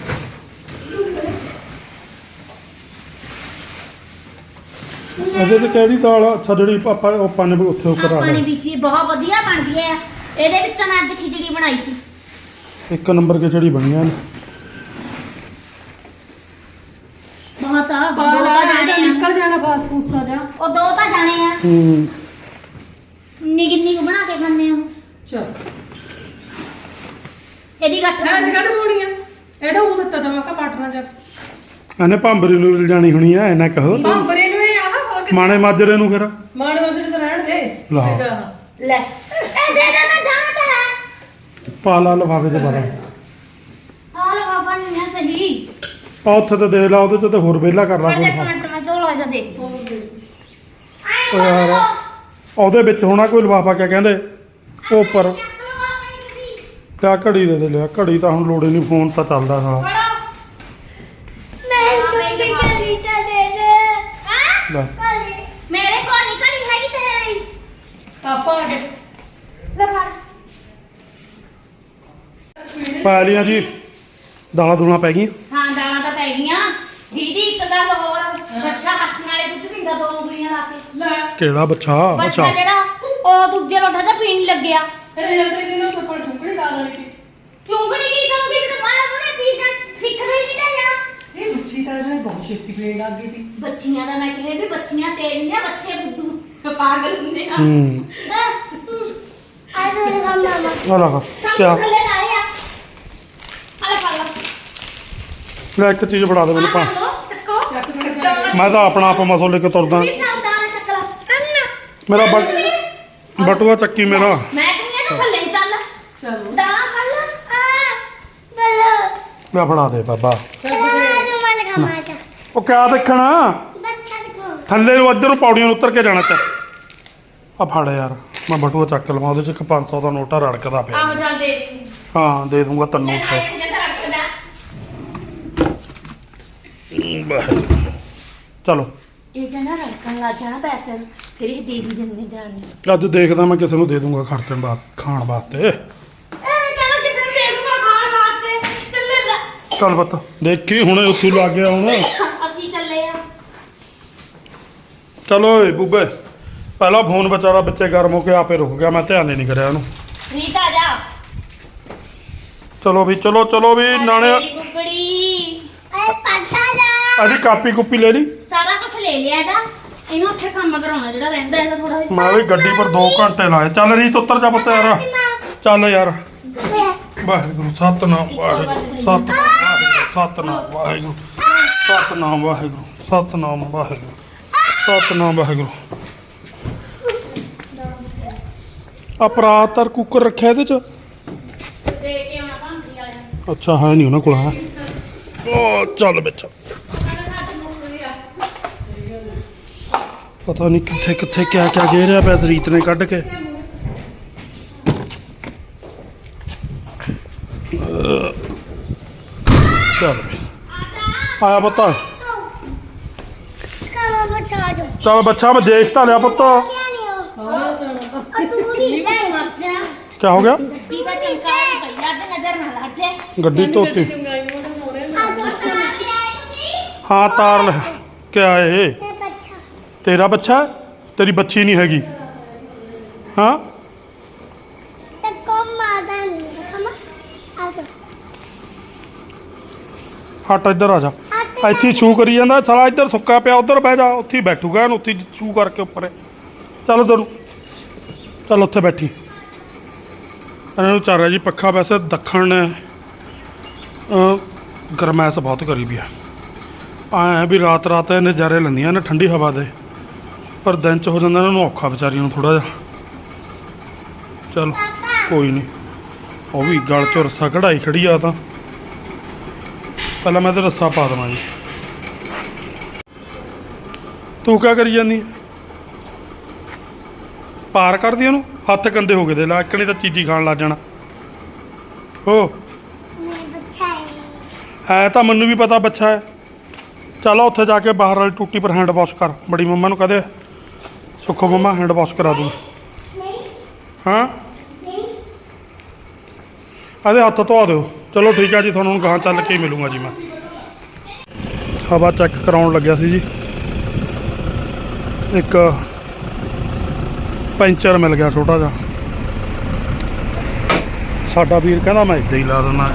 ਇਹਦੇ 'ਚ ਕਿਹੜੀ ਦਾਲ ਆ? ਅੱਛਾ ਜਿਹੜੀ ਆਪਾਂ ਉਹ ਪਾਣੇ ਵੀ ਉੱਥੇ ਉੱਪਰ ਆ ਪਾਣੀ ਗਈ। ਵਿੱਚ ਹੀ ਬਹੁਤ ਵਧੀਆ ਬਣਦੀ ਹੈ। ਇਹਦੇ ਵਿੱਚ ਮੈਂ ਅੱਜ ਖਿਚੜੀ ਬਣਾਈ ਸੀ। ਇੱਕ ਨੰਬਰ ਖਿਚੜੀ ਬਣੀਆਂ ਨੇ। ਬਹੁਤ ਆ, ਪਾ ਦੋ ਲਾ ਤਾਂ ਜਾਣੇ ਆ। ਨਿਕਲ ਜਾਣਾ ਬਾਸ ਫੂਸਾ ਜਾ ਉਹ ਦੋ ਤਾਂ ਜਾਣੇ ਆ, ਹੂੰ ਨਿੱਕੀ ਨਿੱਕੀ ਬਣਾ ਕੇ ਖਾਂਦੇ ਆ। ਚਲ ਇਹਦੀ ਗੱਠ ਅੱਜ ਕੱਲ ਪਾਉਣੀ ਆ ਇਹਦਾ ਉਹ ਦਿੱਤਾ ਦਵਾ ਕਾ ਪਾਟਣਾ ਜਾ ਇਹਨੇ ਭਾਂਬਰੀ ਨੂੰ ਲਿਜਾਣੀ ਹੋਣੀ ਆ, ਇਹਨਾਂ ਕਹੋ ਭਾਂਬਰੇ ਨੂੰ ਇਹ ਆ ਹੋਰ ਕਿ ਮਾਣੇ ਮਾਜਰੇ ਨੂੰ ਫਿਰ। ਮਾਣ ਮੰਦਰ ਤੇ ਰਹਿਣ ਦੇ ਲਾ। ਇਹ ਤਾਂ ਲੈ ਇਹ ਦੇ ਦੇ, ਮੈਂ ਜਾਣਾ ਤਾਂ ਹੈ। ਪਾ ਲਾ ਲਿਫਾਫੇ 'ਚ ਪਾ ਲਾ। ਹਾਲ ਬਾਬਾ ਨਹੀਂ ਨਾ ਸਹੀ। ਆ ਉੱਥੇ ਤੇ ਦੇ ਲਾ, ਉਹਦੇ 'ਚ ਤੇ ਹੋਰ ਵਿਹਲਾ ਕਰ ਲਾ ਪਰ ਕੋਈ। ਇੱਕ ਮਿੰਟ ਮੈਂ ਝੋਲਾ ਜਾ ਦੇਖ। ਉਹ ਯਾਰ ਉਹਦੇ ਵਿੱਚ ਹੋਣਾ ਕੋਈ ਲਿਫਾਫਾ, ਕਿਆ ਕਹਿੰਦੇ ਉਹ ਉੱਪਰ। ਕਿਆ ਘੜੀ ਦੇ ਲਿਆ, ਘੜੀ ਤਾਂ ਹੁਣ ਲੋੜ ਹੀ ਨਹੀਂ, ਫੋਨ ਤਾਂ ਚੱਲਦਾ ਸਾਲਾ। ਮੈਂ ਦੁੱਧੀ ਕਰੀ ਤਾਂ ਦੇ ਦੇ ਲੈ ਕਰੀ ਮੇਰੇ ਕੋਲ ਨਹੀਂ ਘੜੀ ਹੈਗੀ ਤੇਰੇ ਲਈ। ਆਪਾਂ ਆ ਗਏ ਲੈ ਫੜ। ਪਾ ਲੀਆਂ ਜੀ, ਦਾਲਾਂ ਦੂਲਾਂ ਪੈ ਗਈਆਂ। ਹਾਂ ਦਾਲਾਂ ਤਾਂ ਪੈ ਗਈਆਂ। ਦੀਦੀ ਇੱਕ ਗੱਲ ਹੋਰ, ਬੱਚਾ ਹੱਥ ਨਾਲੇ ਦੁੱਧ ਪੀਂਦਾ 2 ਉਂਗਲੀਆਂ ਲਾ ਕੇ। ਲੈ ਕਿਹੜਾ ਬੱਚਾ? ਬੱਚਾ ਅੱਛਾ ਜਿਹੜਾ ਉਹ ਦੂਜੇ ਲੋਟਾ ਜਾਂ ਪੀਣ ਲੱਗਿਆ। ਇਹਨੇ ਜੰਤਰੀ ਦੀ ਨਾ ਕੋਈ ਕੋਲ ਢੁਕੜੀ ਲਾ ਲੈਣੀ ਕਿ ਚੁੰਗੜੀ ਕੀ ਕਰੂਗੀ ਤੇ ਮੈਂ ਉਹਨੇ ਪੀਣਾ ਸਿੱਖਦਾ ਹੀ ਨਹੀਂ ਤਾਂ ਜਾਣਾ। ਇਹ ਬੱਚੀ ਤਾਂ ਇਹਨੇ ਬਹੁਤ ਛੇਤੀ ਪੀਣ ਲੱਗ ਗਈ ਸੀ ਬੱਚੀਆਂ ਦਾ ਮੈਂ ਕਿਹਾ ਵੀ ਬੱਚੀਆਂ ਤੇਰੀਆਂ, ਬੱਚੇ ਬੁੱਧੂ ਪਾਗਲ ਹੁੰਦੇ ਆ। ਹੂੰ ਆ ਦੋ ਮਾਮਾ ਆ ਲਾ ਸਭ ਕਿਆ ਥੱਲੇ ਲਾਏ ਆ। ਆਲੇ ਫੜ ਲਾ। ਲੈ ਇੱਕ ਚੀਜ਼ ਫੜਾ ਦੇ ਮੈਨੂੰ ਪਾ। ਲੋ ਚੱਕੋ। ਚੱਕ ਫੜ ਮੈਂ ਤਾਂ ਆਪਣਾ ਆਪ ਮਸੋ ਲੈ ਕੇ ਤੁਰਦਾ। ਵੀ ਨਾਲ ਦਾਣੇ ਚੱਕ ਲਾ। ਮੇਰਾ ਬਟੂਆ ਚੱਕੀ ਮੇਰਾ। ਮੈਂ ਕਹਿੰਦੀ ਤੂੰ ਥੱਲੇ ਹੀ ਚੱਲ। ਚਲੋ ਦਾਣਾ ਫੜ ਲਾ। ਬਲੋ ਲੈ ਫੜਾ ਦੇ ਬਾਬਾ। ਚੱਲ ਆ ਜੋ ਮਨ ਖਮਾ ਜਾ ਉਹ ਕਿਆ ਦੇਖਣਾ? ਬੱਚਾ ਦੇਖੋ ਥੱਲੇ ਨੂੰ ਇੱਧਰ ਨੂੰ ਪੌੜੀਆਂ ਨੂੰ ਉਤਰ ਕੇ ਜਾਣਾ ਤੇ ਆ ਫੜ ਯਾਰ, ਮੈਂ ਬਟੂਆ ਚੱਕ ਲਵਾਂ, ਉਹਦੇ 'ਚ ਇੱਕ 500 ਦਾ ਨੋਟਾ ਰੜਕਦਾ ਪਿਆ। ਆਹੋ ਚੱਲ ਦੇ ਦੇ। ਹਾਂ ਦੇ ਦੂੰਗਾ ਤੈਨੂੰ ਲੈ ਉੱਤੇ। ਆਏ ਜਿੱਦਾਂ ਰੱਖਦਾ। ਚਲੋ ਇਹ ਜਨਾ ਰੜਕਣ ਲੱਗ ਜਾਣਾ ਪੈਸੇ ਨੂੰ, ਫਿਰ ਇਹ ਦੇ ਦੀ ਦਿੰਦੇ ਜਾਣੀ। ਅੱਜ ਦੇਖਦਾ ਮੈਂ ਕਿਸੇ ਨੂੰ ਦੇ ਦੂੰਗਾ ਖਰਚਣ ਬਾਅਦ ਖਾਣ ਵਾਸਤੇ। ਇਹ ਕਹਿੰਦਾ ਕਿਸੇ ਨੂੰ ਦੇ ਦੂੰਗਾ ਖਾਣ ਵਾਸਤੇ। ਚੱਲੇ ਜਾ। ਚੱਲ ਪੁੱਤ ਦੇਖੀ ਹੁਣੇ ਉੱਥੋਂ ਲੱਗ ਗਿਆ ਹੁਣ। ਅਸੀਂ ਚੱਲੇ ਆ। ਚਲੋ ਓਏ ਬੂਬੇ, ਪਹਿਲਾ ਫੋਨ ਵਿਚਾਰਾ ਬੱਚੇ ਗਰਮ ਹੋ ਕੇ ਆਪੇ ਰੁਕ ਗਿਆ, ਮੈਂ ਧਿਆਨ ਹੀ ਨਹੀਂ ਕਰਿਆ ਉਹਨੂੰ। ਰੀਤ ਆ ਜਾ। ਚਲੋ ਵੀ ਚਲੋ ਵੀ ਨਾਲੇ ਗੁੱਗੜੀ ਐ ਪਾਸਾ ਜਾ ਅਸੀਂ ਕਾਪੀ ਕੁੱਪੀ ਲੈ ਲਈ। ਸਾਰਾ ਕੁਝ ਲੈ ਲਿਆ ਇਹਦਾ। ਇਹਨੂੰ ਉੱਥੇ ਕੰਮ ਕਰਾਉਣਾ ਜਿਹੜਾ ਰਹਿੰਦਾ ਇਹਦਾ ਥੋੜਾ ਜਿਹਾ। ਮੈਂ ਵੀ ਗੱਡੀ ਪਰ 2 ਘੰਟੇ ਲਾਏ। ਚੱਲ ਰੀਤ ਉੱਤਰ ਜਾ ਪੁੱਤ ਯਾਰ। ਚੱਲ ਯਾਰ ਵਾਹਿਗੁਰੂ ਸਤਨਾਮ ਵਾਹਿਗੁਰੂ ਸਤਨਾਮ ਵਾਹਿਗੁਰੂ ਸਤਨਾਮ ਵਾਹਿਗੁਰੂ ਸਤਨਾਮ ਵਾਹਿਗੁਰੂ ਸਤਨਾਮ ਵਾਹਿਗੁਰੂ ਅਪਰਾਧ ਤਰ ਕੁੱਕਰ ਰੱਖਿਆ ਇਹਦੇ ਚ ਦੇ ਕੇ ਆਉਣਾ ਭਾਂਡੀ ਵਾਲੇ ਨੂੰ। ਅੱਛਾ ਹੈ ਨਹੀਂ ਉਹਨਾਂ ਕੋਲ ਹੈ ਉਹ ਚੱਲ ਵਿੱਚ ਕਹਿੰਦਾ ਸਾਡੇ ਮੁੱਕ ਵੀ ਆ। ਪਤਾ ਨਹੀਂ ਕਿੱਥੇ ਕਿੱਥੇ ਕਿਆ ਕਿਆ ਗੇਰਿਆ ਪਿਆ ਰੀਤ ਨੇ ਕੱਢ ਕੇ ਚੱਲ ਆਇਆ ਪੁੱਤ ਕਮਾ ਬਚਾ ਜੋ ਚੱਲ ਬੱਚਾ ਮੈਂ ਦੇਖ ਤਾਂ ਲਿਆ ਪੁੱਤ ਕਿਆ ਨਹੀਂ ਹੋ ਤੂੰ ਵੀ ਮੈਂ ਮਰ ਜਾ ਕਿਆ ਹੋ ਗਿਆ ਗੱਡੀ ਦਾ ਚਮਕਾਇਆ ਪਈ ਅੱਜ ਨਜ਼ਰ ਨਾ ਲੱਗ ਜਾਏ। ਗੱਡੀ ਧੋਤੀ ਆ ਦੋ ਹਾਂ ਤਾਰ ਲੈ ਕਿਆ ਇਹ ਤੇ ਬੱਚਾ ਤੇਰਾ ਬੱਚਾ ਹੈ? ਤੇਰੀ ਬੱਚੀ ਨਹੀਂ ਹੈਗੀ ਹਾਂ ਤੇ ਕਮ ਮਾਦਾ ਨਹੀਂ ਕਮਾ ਆ ਜਾ ਹਟ ਇੱਧਰ ਆ ਜਾ ਇੱਥੇ ਛੂ ਕਰੀ ਜਾਂਦਾ ਸਾਲਾ ਇੱਧਰ ਸੁੱਕਾ ਪਿਆ ਉੱਧਰ ਬਹਿ ਜਾ ਉੱਥੇ ਹੀ ਬੈਠੂਗਾ ਇਹਨੂੰ ਉੱਥੇ ਛੂ ਕਰਕੇ ਉੱਪਰ ਚੱਲ ਉੱਧਰ ਨੂੰ ਚੱਲ ਉੱਥੇ ਬੈਠੀ ਇਹਨਾਂ ਨੂੰ ਚੱਲ ਰਿਹਾ ਜੀ ਪੱਖਾ ਵੈਸੇ ਦੱਖਣ ਨੇ ਗਰਮੈਸ਼ ਬਹੁਤ ਕਰੀ ਵੀ ਆ ਐਂ ਵੀ ਰਾਤ ਰਾਤ ਇਹ ਨਜ਼ਾਰੇ ਲੈਂਦੀਆਂ ਨੇ ਠੰਡੀ ਹਵਾ ਦੇ ਪਰ ਦਿਨ ਚ ਹੋ ਜਾਂਦਾ ਇਹਨਾਂ ਨੂੰ ਔਖਾ ਵਿਚਾਰੀਆਂ ਨੂੰ ਥੋੜਾ ਜਿਹਾ ਚੱਲ ਕੋਈ ਨਹੀਂ ਉਹ ਵੀ ਗਲ ਚ ਰੱਸਾ ਕਢਾਈ ਖੜੀ ਆ ਤਾਂ ਪਹਿਲਾਂ ਮੈਂ ਤੇ ਰੱਸਾ ਪਾ ਦੇਵਾਂ ਜੀ ਤੂੰ ਕਿਆ ਕਰੀ ਜਾਂਦੀ ਪਾਰ ਕਰਦੀ ਉਹਨੂੰ ਹੱਥ ਗੰਦੇ ਹੋ ਗਏ ਦੇ ਲਾ ਇੱਕਣੀ ਤਾਂ ਚੀਜ਼ੀ ਖਾਣ ਲੱਗ ਜਾਣਾ ਹੋ ਮੇਰਾ ਬੱਚਾ ਹੈ ਹੈ ਤਾਂ ਮੈਨੂੰ ਵੀ ਪਤਾ ਬੱਚਾ ਹੈ ਚੱਲ ਉੱਥੇ ਜਾ ਕੇ ਬਾਹਰ ਵਾਲੀ ਟੂਟੀ ਪਰ ਹੈਂਡ ਵਾਸ਼ ਕਰ ਬੜੀ ਮੰਮਾ ਨੂੰ ਕਹਦੇ ਸੁੱਖੋ ਮੰਮਾ ਹੈਂਡ ਵਾਸ਼ ਕਰਾ ਦੂੰ ਨਹੀਂ ਹਾਂ ਨਹੀਂ ਇਹਦੇ ਹੱਥ ਧੋ ਦਿਓ ਚਲੋ ਠੀਕ ਆ ਜੀ ਤੁਹਾਨੂੰ ਹੁਣ ਗਾਹਾਂ ਚੱਲ ਕੇ ਹੀ ਮਿਲੂੰਗਾ ਜੀ ਮੈਂ ਹਵਾ ਚੈੱਕ ਕਰਾਉਣ ਲੱਗਿਆ ਸੀ ਜੀ ਇੱਕ ਪੈਂਚਰ ਮਿਲ ਗਿਆ ਛੋਟਾ ਜਿਹਾ ਸਾਡਾ ਵੀਰ ਕਹਿੰਦਾ ਮੈਂ ਇੱਦਾਂ ਹੀ ਲਾ ਦਿੰਦਾ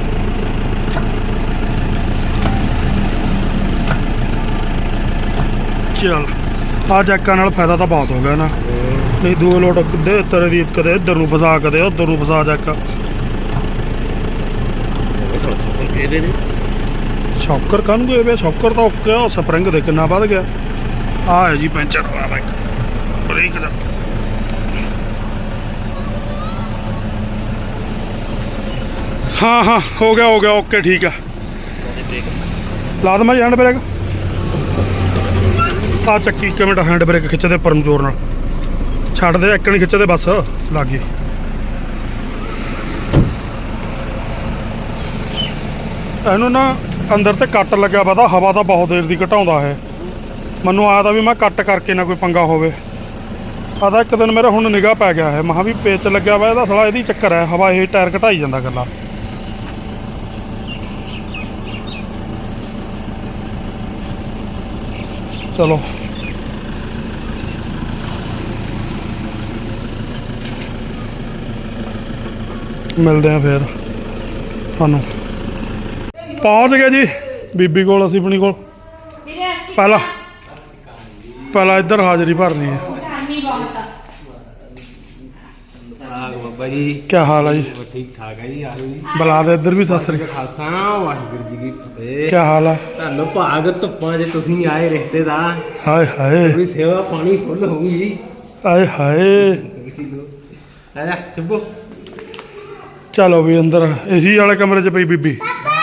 ਚਲ ਆ ਜੈਕਾਂ ਨਾਲ ਫਾਇਦਾ ਤਾਂ ਬਹੁਤ ਹੋ ਗਿਆ ਨਾ ਨਹੀਂ ਦੋ ਲੋਟ ਕਿੱਦੇ ਤੇਰੇ ਦੀ ਕਦੇ ਇੱਧਰ ਨੂੰ ਫਸਾ ਕਦੇ ਉੱਧਰ ਨੂੰ ਫਸਾ ਜੈਕ ਸ਼ੌਕਰ ਕਾਹਨੂੰ ਗਏ ਵੇ ਸ਼ੌਕਰ ਤਾਂ ਓਕੇ ਆ ਸਪਰਿੰਗ ਦੇ ਕਿੰਨਾ ਵੱਧ ਗਿਆ ਆ ਹੈ ਜੀ ਪੈਂਚਰ ਆ ਬਾਈਕ ਬ੍ਰੇਕ ਦਾ ਹਾਂ ਹਾਂ ਹੋ ਗਿਆ ਓਕੇ ਠੀਕ ਆ ਲਾ ਦਮਾ ਜੀ ਹੈਂਡ ਬ੍ਰੇਕ ਆ ਚੱਕੀ 1 ਮਿੰਟ ਹੈਂਡ ਬ੍ਰੇਕ ਖਿੱਚਦੇ ਉੱਪਰ ਨੂੰ ਜ਼ੋਰ ਨਾਲ ਛੱਡ ਦੇ ਇੱਕ ਨਹੀਂ ਖਿੱਚਦੇ ਬਸ ਲੱਗ ਗਈ ਇਹਨੂੰ ਨਾ ਅੰਦਰ ਤੇ ਕੱਟ ਲੱਗਿਆ ਪਤਾ ਹਵਾ ਤਾਂ ਬਹੁਤ ਦੇਰ ਦੀ ਘਟਾਉਂਦਾ ਹੈ ਮੈਨੂੰ ਆਇਆ ਤਾਂ ਵੀ ਮੈਂ ਕੱਟ ਕਰਕੇ ਨਾ ਕੋਈ ਪੰਗਾ ਹੋਵੇ ਆਦਾ ਇੱਕ ਦਿਨ ਮੇਰਾ ਹੁਣ ਨਿਗਾਹ ਪੈ ਗਿਆ ਹੈ ਮਹਾਂ ਵੀ ਪੇਚ ਲੱਗਿਆ ਵਾ ਇਹਦਾ ਸਾਲਾ ਇਹਦੀ ਚੱਕਰ ਹੈ ਹਵਾ ਇਹ ਟਾਇਰ ਘਟਾਈ ਜਾਂਦਾ ਗੱਲਾਂ ਚਲੋ ਮਿਲਦੇ ਆ ਫਿਰ ਤੁਹਾਨੂੰ ਪਹੁੰਚ ਗਏ ਜੀ ਬੀਬੀ ਕੋਲ ਅਸੀਂ ਆਪਣੀ ਕੋਲ ਪਹਿਲਾਂ ਇੱਧਰ ਹਾਜ਼ਰੀ ਭਰਨੀ ਹੈ ਬਾਬਾ ਜੀ ਕੀ ਹਾਲ ਹੈ ਜੀ ਠੀਕ ਠਾਕ ਹੈ ਜੀ ਆਲੂ ਜੀ ਬੁਲਾ ਦੇ ਇੱਧਰ ਵੀ ਸਤਿ ਸ੍ਰੀ ਅਕਾਲ ਖਾਲਸਾ ਵਾਹਿਗੁਰੂ ਜੀ ਕੀ ਫਤਿਹ ਕੀ ਹਾਲ ਹੈ ਤੁਹਾਨੂੰ ਭਾਗ ਧੁੱਪਾਂ 'ਚ ਤੁਸੀਂ ਆਏ ਰਿਸ਼ਤੇਦਾਰ ਹਾਏ ਹਾਏ ਪੂਰੀ ਸੇਵਾ ਪਾਣੀ ਫੁੱਲ ਹੋਊਗੀ ਆਏ ਹਾਏ ਆ ਜਾ ਚੁੱਪੋ ਚਲੋ ਵੀ ਅੰਦਰ ਏਸੀ ਵਾਲੇ ਕਮਰੇ 'ਚ ਪਈ ਬੀਬੀ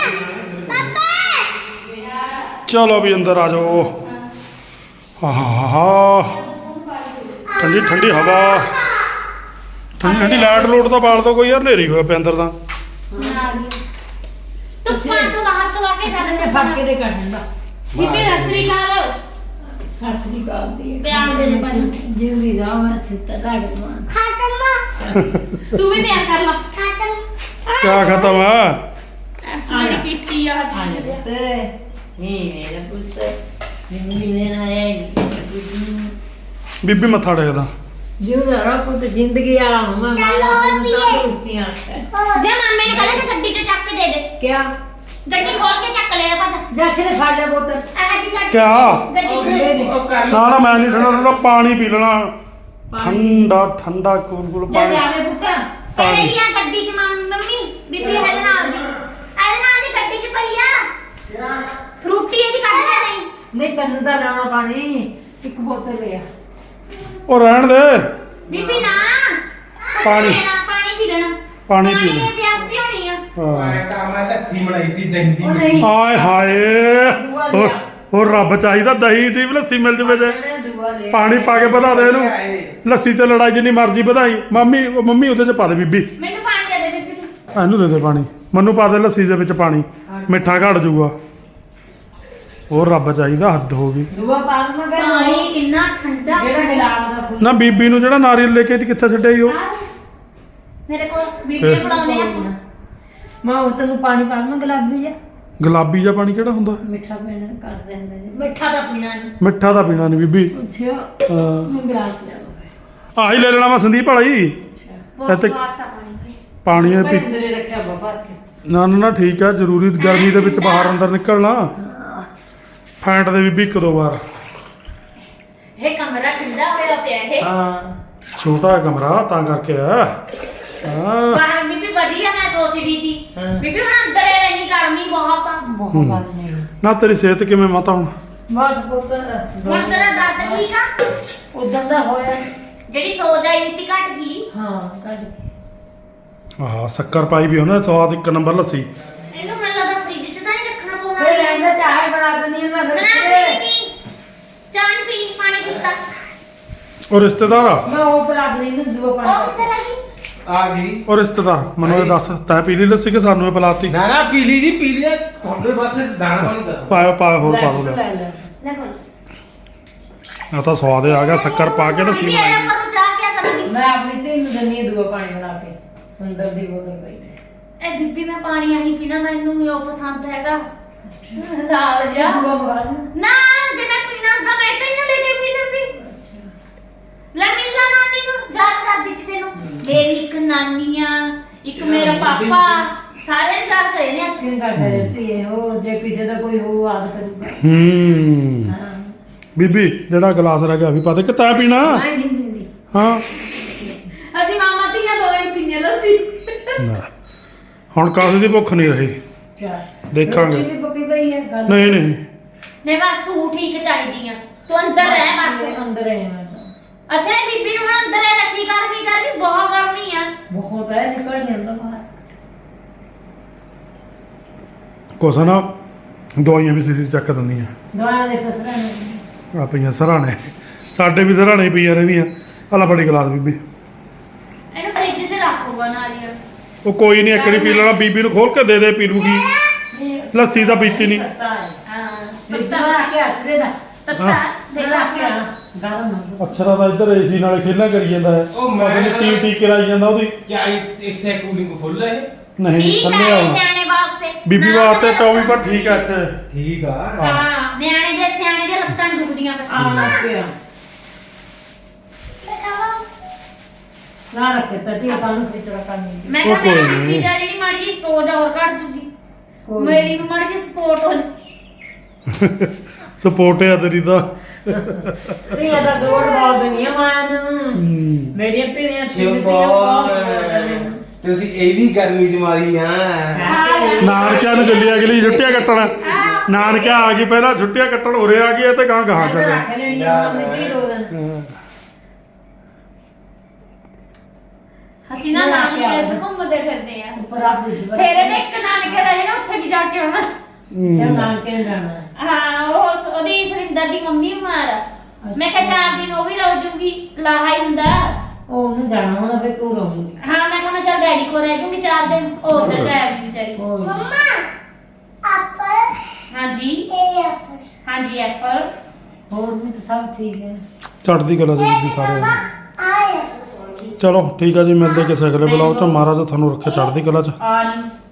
ਚਲੋ ਵੀ ਅੰਦਰ ਆ ਜਾਓ ਆਹਾ ਠੰਡੀ ਠੰਡੀ ਹਵਾ ਠੰਡੀ ਠੰਡੀ ਲਾਈਟ ਲੋਟ ਤਾਂ ਬਾਲ ਦੋ ਕੋਈ ਯਾਰ ਹਨੇਰੀ ਹੋਇਆ ਪਿਆ ਅੰਦਰ ਤਾਂ ਤੂੰ ਪਾਣ ਤੋਂ ਬਾਹਰ ਚਲਾ ਕੇ ਜਾ ਤੇ ਫੜ ਕੇ ਦੇ ਕੱਢ ਦਿੰਦਾ ਬੀਬੀ ਸਸਰੀ ਕਾਲ ਸਤਿ ਸ੍ਰੀ ਅਕਾਲ ਦੀ ਪਿਆਰ ਦੇ ਦੇ ਭਾਈ ਜਿਉਂਦੀ ਰਹਾਂ ਮੈਂ ਸਿੱਤਾ ਘਾਟ ਮਾਂ ਖਾਤਮਾ ਤੂੰ ਵੀ ਪਿਆਰ ਕਰ ਲਾ ਖਾਤਮ ਕਿਆ ਖਤਮ ਆ ਜਿਹੜੀ ਪੀਤੀ ਆ ਆ ਹੱਥ ਜਾ ਤੇ ਨਹੀਂ ਮੇਰਾ ਪੁੱਤ ਜਿੰਦਗੀ ਲੈਣ ਆਇਆ ਬੀਬੀ ਮੱਥਾ ਟੇਕਦਾ ਜਿਉਂਦਾ ਰਾ ਪੁੱਤ ਜ਼ਿੰਦਗੀ ਵਾਲਾ ਹਮਾ ਚਲੋ ਪੀਏ। ਜੇ ਮਾਮੇ ਨੂੰ ਕਹਿੰਦਾ ਗੱਡੀ ਚੋਂ ਚੱਕ ਕੇ ਦੇ ਦੇ ਕਿਆ ਗੱਡੀ ਖੋਲ ਕੇ ਚੱਕ ਲੈ ਭੱਜ ਜਾ ਛੇ ਫੜ ਲੈ ਪੁੱਤ ਆਹ ਦੀ ਗੱਡੀ ਕਿਆ? ਗੱਡੀ ਨਾ ਨਾ ਮੈਂ ਨਹੀਂ ਠੰਡਾ ਠੰਡਾ ਪਾਣੀ ਪੀ ਲੈਣਾ ਠੰਡਾ ਠੰਡਾ ਕੂਲ ਕੂਲ ਜਾ ਪਾਣੀ ਜਾਵੇ ਪੁੱਤ ਪਾਣੀ ਇਹ ਗੱਡੀ 'ਚ ਮੰਮੀ ਬੀਬੀ ਇਹਦੇ ਨਾਲ ਦੀ ਗੱਡੀ 'ਚ ਪਈ ਆ ਫਰੂਟੀ ਇਹਦੀ ਕੱਢ ਲੈ ਨਹੀਂ ਨਹੀਂ ਤੈਨੂੰ ਤਾਂ ਲਾਉਣਾ ਪਾਣੀ ਇੱਕ ਬੋਤਲ ਲਿਆ ਉਹ ਰਹਿਣ ਦੇ ਬੀਬੀ ਨਾ ਪਾਣੀ। ਪਾਣੀ ਪੀ ਲੈਣਾ ਪਾਣੀ ਪੀ ਲੈ ਨੇ ਪਿਆਸ ਵੀ ਹੋਣੀ ਆ ਹਾਂ ਤਾਂ ਮੈਂ ਲੱਸੀ ਬਣਾਈ ਸੀ ਦਹੀਂ ਦੀ ਉਹ ਨਹੀਂ ਹਾਏ ਹਾਏ ਹੋਰ ਰੱਬ ਚਾਹੀਦਾ ਦਹੀਂ ਦੀ ਵੀ ਲੱਸੀ ਮਿਲ ਜਵੇ ਜੇ ਦੂਆ ਲਿਆ ਪਾਣੀ ਪਾ ਕੇ ਵਧਾ ਦੇ ਇਹਨੂੰ ਲੱਸੀ ਤੇ ਲੜਾਈ ਜਿੰਨੀ ਮਰਜ਼ੀ ਵਧਾਈ ਮੰਮੀ ਉਹਦੇ ਚ ਪਾ ਦੇ ਬੀਬੀ ਮੈਨੂੰ ਪਾਣੀ ਦੇ ਦੇ ਬੀਬੀ ਤੂੰ ਇਹਨੂੰ ਦੇ ਦੇ ਪਾਣੀ ਮੈਨੂੰ ਪਾ ਦੇ ਲੱਸੀ ਦੇ ਵਿੱਚ ਪਾਣੀ ਮਿੱਠਾ ਘਟ ਜਾਊਗਾ ਹੋਰ ਰੱਬ ਚਾਹੀਦਾ ਹੱਦ ਹੋ ਗਈ ਦੂਆ ਪਾਣ ਮੈਂ ਪਾਣੀ ਕਿੰਨਾ ਠੰਡਾ ਜਿਹੜਾ ਗੁਲਾਬ ਦਾ ਫੁੱਲ ਨਾ ਬੀਬੀ ਨੂੰ ਜਿਹੜਾ ਨਾਰੀਅਲ ਲੈ ਕੇ ਤੇ ਕਿੱਥੇ ਛੱਡਿਆ ਈ ਉਹ ਮੇਰੇ ਕੋਲ ਬੀਬੀ ਨੇ ਬਣਾਉਣੇ ਆ ਮਾਂ ਉਹ ਤੈਨੂੰ ਪਾਣੀ ਪਾ ਮੈਂ ਗੁਲਾਬੀ ਜਿਹਾ ਗੁਲਾਬੀ ਜਿਹਾ ਪਾਣੀ ਕਿਹੜਾ ਹੁੰਦਾ ਮਿੱਠਾ ਪੀਣਾ ਕਰ ਦਿੰਦੇ ਨੇ ਮਿੱਠਾ ਤਾਂ ਪੀਣਾ ਨਹੀਂ ਮਿੱਠਾ ਤਾਂ ਪੀਣਾ ਨਹੀਂ ਬੀਬੀ ਅੱਛਾ ਮੈਂ ਗਲਾਸ ਲਿਆ ਆਹੀ ਲੈ ਲੈਣਾ ਮੈਂ ਸੰਦੀਪ ਵਾਲਾ ਹੀ ਬਹੁਤ ਇੱਥੇ ਸਵਾਦ ਤਾਂ ਪਾਣੀ ਪੀ ਪਾਣੀ ਇਹ ਪੀ ਅੰਦਰੇ ਰੱਖਿਆ ਬਾਬਾ ਕੇ ਨਾ ਠੀਕ ਆ ਜ਼ਰੂਰੀ ਗਰਮੀ ਦੇ ਵਿੱਚ ਬਾਹਰ ਅੰਦਰ ਨਿਕਲਣਾ ਫੈਂਟ ਦੇ ਬੀਬੀ ਇੱਕ ਦੋ ਵਾਰ ਇਹ ਕਮਰਾ ਠੰਡਾ ਹੋਇਆ ਪਿਆ ਇਹ ਹਾਂ ਛੋਟਾ ਜਿਹਾ ਕਮਰਾ ਤਾਂ ਕਰਕੇ ਆ ਹਾਂ ਬਾਹਰ ਬੀਬੀ ਵਧੀਆ ਮੈਂ ਸੋਚ ਰਹੀ ਸੀ ਹਾਂ। ਬੀਬੀ ਹੁਣ ਅੰਦਰ ਹੀ ਰਹਿਣੀ ਗਰਮੀ ਬਹੁਤ ਆ ਬਹੁਤ ਗੱਲ ਨਹੀਂ ਨਾ ਤੇਰੀ ਸਿਹਤ ਕਿਵੇਂ ਮਾਤਾ ਹੁਣ ਬਸ ਪੁੱਤ ਹੁਣ ਤੇਰਾ ਦਰਦ ਠੀਕ ਆ ਉਦੋਂ ਦਾ ਹੋਇਆ ਜਿਹੜੀ ਸੋਜ ਆਈ ਸੀ ਘਟ ਗਈ ਹਾਂ ਕੱਢ ਆਹ ਸ਼ੱਕਰ ਪਾਈ ਵੀ ਉਹਨੇ ਸਵਾਦ ਇੱਕ ਨੰਬਰ ਲੱਸੀ ਇਹਨੂੰ ਮੈਨੂੰ ਲੱਗਦਾ ਫ੍ਰਿਜ 'ਚ ਤਾਂ ਨਹੀਂ ਰੱਖਣਾ ਪਊਗਾ ਕੋਈ ਰਹਿੰਦਾ ਚਾਹ ਬਣਾ ਦਿੰਦੀ ਹਾਂ ਮੈਂ ਬਣਾ ਫਿਰ ਪੀਣੀ ਚਾਹ ਨੀ ਪੀਣੀ ਪਾਣੀ ਪੀਤਾ ਉਹ ਰਿਸ਼ਤੇਦਾਰ ਆ ਮੈਂ ਉਹ ਬਣਾ ਦਿੰਦੀ ਹਾਂ ਦੂਆ ਉਹ ਪਾਣੀ ਕਿੱਥੇ ਲੱਗੀ ਆ ਗਈ ਉਹ ਰਿਸ਼ਤੇਦਾਰ ਮੈਨੂੰ ਇਹ ਦੱਸ ਤੈਂ ਪੀ ਲਈ ਲੱਸੀ ਕਿ ਸਾਨੂੰ ਇਹ ਪਿਲਾਤੀ ਨਾ ਨਾ ਪੀਲੀ ਜੀ ਪੀਲੀ ਆ, ਤੁਹਾਡੇ ਵਾਸਤੇ ਦਾਣਾ ਪਾਣੀ ਦਾ ਪਾ ਹੋਰ ਪਾ ਦੋ ਲੈ ਲੈ ਲੈ ਲੈ ਕੋਲ ਆ ਤਾਂ ਸਵਾਦ ਆ ਗਿਆ ਸ਼ੱਕਰ ਪਾ ਕੇ ਲੱਸੀ ਬੀਬੀ ਬਣਾਈ ਇਹਦੇ ਪਰ ਚਾਹ ਕਿਆ ਕਰੂਗੀ ਮੈਂ ਆਪਣੀ ਧੀ ਨੂੰ ਦਿੰਦੀ ਹਾਂ ਦੂਆ ਪਾਣੀ ਬਣਾ ਕੇ ਸੁੰਦਰ ਦੀ ਬੋਤਲ ਪਈ ਹੈ ਇਹ ਬੀਬੀ ਮੈਂ ਪਾਣੀ ਆਹੀ ਪੀਣਾ ਮੈਨੂੰ ਨਹੀਂ ਉਹ ਪਸੰਦ ਹੈਗਾ ਲਾਲ ਜਿਹਾ ਦੂਆ ਮੰਗਾ ਲੈ ਨਾ ਜੇ ਮੈਂ ਪੀਣਾ ਹੁੰਦਾ ਮੈਂ ਤਾਂ ਇਹਨਾਂ ਲੈ ਕੇ ਪੀ ਲੈਂਦੀ ਲੈ ਮਿਲ ਜਾ ਨਾਨੀ ਨੂੰ ਯਾਦ ਕਰਦੀ ਕਿ ਤੈਨੂੰ ਮੇਰੀ ਇੱਕ ਨਾਨੀ ਆ ਇੱਕ ਮੇਰਾ ਪਾਪਾ ਸਾਰੇ ਨੇ ਯਾਦ ਕਰੇ ਨੇ ਕਿਉਂ ਕਰਦਾ ਰਹਿੰਦੀ ਹੈ ਉਹ ਜੇ ਕਿਸੇ ਦਾ ਕੋਈ ਹੋ ਆਦ ਕਰੂਗਾ ਹਾਂ ਬੀਬੀ ਜਿਹੜਾ ਗਲਾਸ ਰਹਿ ਗਿਆ ਵੀ ਪਾ ਦੇ ਕਿ ਤੈਂ ਪੀਣਾ ਮੈਂ ਨਹੀਂ ਦਿੰਦੀ ਹਾਂ ਅਸੀਂ ਮਾਮਾ ਧੀਆਂ ਦੋਵੇਂ ਪੀਨੇ ਲੱਸੀ ਨਾ ਹੁਣ ਕਾਸੇ ਦੀ ਭੁੱਖ ਨਹੀਂ ਰਹੀ ਚਾਹ ਦੇਖਾਂਗੇ। ਰੋਟੀ ਵੀ ਪੱਕੀ ਪਈ ਹੈ ਗੱਲ ਨਹੀਂ ਨਹੀਂ ਨੇ ਬਸ ਤੂੰ ਠੀਕ ਚਾਹੀਦੀ ਆ ਤੂੰ ਅੰਦਰ ਰਹਿ ਬਸ ਅੰਦਰ ਹੈ ਮੈਂ ਤਾਂ ਅੱਛਾ ਇਹ ਬੀਬੀ ਨੂੰ ਹੁਣ ਅੰਦਰ ਹੀ ਰੱਖੀ ਗਰਮੀ ਬਹੁਤ ਗਰਮੀ ਆ ਬਹੁਤ ਹੈ ਨਿਕਲ ਨਹੀਂ ਆਉਂਦਾ ਬਾਹਰ ਕੁਛ ਨਾ ਦਵਾਈਆਂ ਵੀ ਸਿਰ ਚੱਕ ਦਿੰਦੀਆਂ ਦਵਾਈਆਂ ਦੇ ਫਸਣਾ ਨਹੀਂ ਆ ਪਈਆਂ ਸਰਾਣੇ ਸਾਡੇ ਵੀ ਸਰਾਣੇ ਪਈਆਂ ਰਹਿੰਦੀਆਂ ਆਲਾ ਬੜੀ ਗਲਾਸ ਬੀਬੀ ਇਹਨੂੰ ਫ੍ਰਿਜ 'ਚ ਰੱਖੂਗਾ ਨਾਰੀਅਲ ਉਹ ਕੋਈ ਨਹੀਂ ਇੱਕੜੀ ਪੀ ਲੈਣਾ ਬੀਬੀ ਨੂੰ ਖੋਲ ਕੇ ਦੇ ਪੀ ਲੂਗੀ ਲੱਸੀ ਤਾਂ ਪੀਤੀ ਨਹੀਂ ਪਤਾ ਹੈ ਹਾਂ ਮਿੱਠਾ ਲਾ ਕੇ ਹੱਥ ਦਾ ਤੱਤਾ ਹਾਂ। ਦੇਖ ਲਾ ਕੇ ਕੇ ਗਰਮ ਅਛਰਾ ਤਾਂ ਇੱਧਰ ਏਸੀ ਨਾਲੇ ਖੇਲਾਂ ਕਰੀ ਜਾਂਦਾ ਹੈ ਉਹ ਮੈਂ ਪਤਾ ਨੀ ਟੀ ਕਰਾਈ ਜਾਂਦਾ ਉਹਦੀ ਕਿਆ ਇੱਥੇ ਕੂਲਿੰਗ ਫੁੱਲ ਹੈ ਨਹੀਂ ਠੀਕ ਥੱਲੇ ਹੈ ਆਉਣਾ ਸਿਆਣੇ ਵਾਸਤੇ ਬੀਬੀ ਨਾ ਵਾਸਤੇ ਤਾਂ 24 ਪਰ ਠੀਕ ਹੈ ਇੱਥੇ ਠੀਕ ਆ ਹਾਂ ਨਿਆਣੇ ਦੇ ਸਿਆਣੇ ਦੇ ਲੱਤਾਂ ਨੀ ਦੁਖਦੀਆਂ ਆ ਨਾ ਪਿਆ ਨਾ ਰੱਖੇ ਤਾਂ ਤੀ ਪਾਣੀ ਖਿਚੜਾ ਕਰਨੀ ਮੈਂ ਉਹ ਕਿਹਾ ਕੋਈ ਮੈਂ ਨੀ। ਜਿਹੜੀ ਨੀ ਮਾੜੀ ਜੀ ਸੋਚ ਹੋਰ ਘਟ ਜੂਗੀ ਕੋਈ ਮੇਰੀ ਵੀ ਮਾੜੀ ਜੀ ਸਪੋਰਟ ਹੋ ਜੂਗੀ ਸਪੋਰਟ ਹੈ ਤੇਰੀ ਦਾ ਤੀ ਦਾ ਜ਼ੋਰ ਬਾਦ ਨਹੀਂ ਮਾਂ ਨੂੰ ਮੇਰੀਆਂ ਪੀੜੀਆਂ ਤੁਸੀਂ ਇਹ ਵੀ ਗਰਮੀ ਚ ਮਾਰੀ ਆ ਨਾਨਕਿਆਂ ਨੂੰ ਚੱਲੀ ਅਗਲੀ ਛੁੱਟੀਆਂ ਕੱਟਣ ਨਾਨਕਿਆਂ ਆ ਗਈ ਪਹਿਲਾਂ ਛੁੱਟੀਆਂ ਕੱਟਣ ਉਰੇ ਆ ਗਈ ਤੇ ਗਾਂ ਗਾਂ ਚੱਲੇ ਰੱਖ ਲੈਣੀ ਆ ਆਪਣੀ ਧੀ ਦੋ ਦਿਨ ਅਸੀਂ ਨਾ ਨਾਨਕੇ ਅਸੀਂ ਘੁੰਮਦੇ ਫਿਰਦੇ ਆ ਉੱਪਰ ਆਪ ਵਿੱਚ ਫਿਰ ਇਹਨੇ ਇੱਕ ਨਾਨਕੇ ਰਹੇ ਨਾ ਉੱਥੇ ਵੀ ਜਾ ਕੇ ਆਉਣਾ ਚਲ ਨਾਲ ਕੇ ਜਾਣਾ ਹਾਂ ਉਹਦੀ ਸੁਰਿੰਦਰ ਦੀ ਮੰਮੀ ਬਿਮਾਰ ਆ ਮੈਂ ਕਿਹਾ 4 ਦਿਨ ਉਹ ਵੀ ਰਹ ਜੂਗੀ ਲਾਹਾ ਹੀ ਹੁੰਦਾ ਉਹ ਉਹਨੂੰ ਜਾਣਾ ਹੁੰਦਾ ਫਿਰ ਤੂੰ ਰਹੂੰਗੀ ਹਾਂ ਮੈਂ ਕਿਹਾ ਮੈਂ ਚੱਲ ਡੈਡੀ ਕੋਲ ਰਹਿ ਜੂਗੀ 4 ਦਿਨ ਉਹ ਉੱਧਰ ਜਾਏਗੀ ਵਿਚਾਰੀ ਕੋਈ ਹਾਂਜੀ ਹਾਂਜੀ ਐਪਲ ਹੋਰ ਵੀ ਤਾਂ ਸਭ ਠੀਕ ਹੈ ਚੜ੍ਹਦੀ ਕਲਾ ਦੇ ਵਿੱਚ ਸਾਰੇ ਚਲੋ ਠੀਕ ਆ ਜੀ ਮਿਲਦੇ ਕਿਸੇ ਅਗਲੇ ਬਲੌਗ ਚ ਮਹਾਰਾਜ ਤੁਹਾਨੂੰ ਰੱਖੇ ਚੜ੍ਹਦੀ ਕਲਾ ਚ ਔਰੰਜ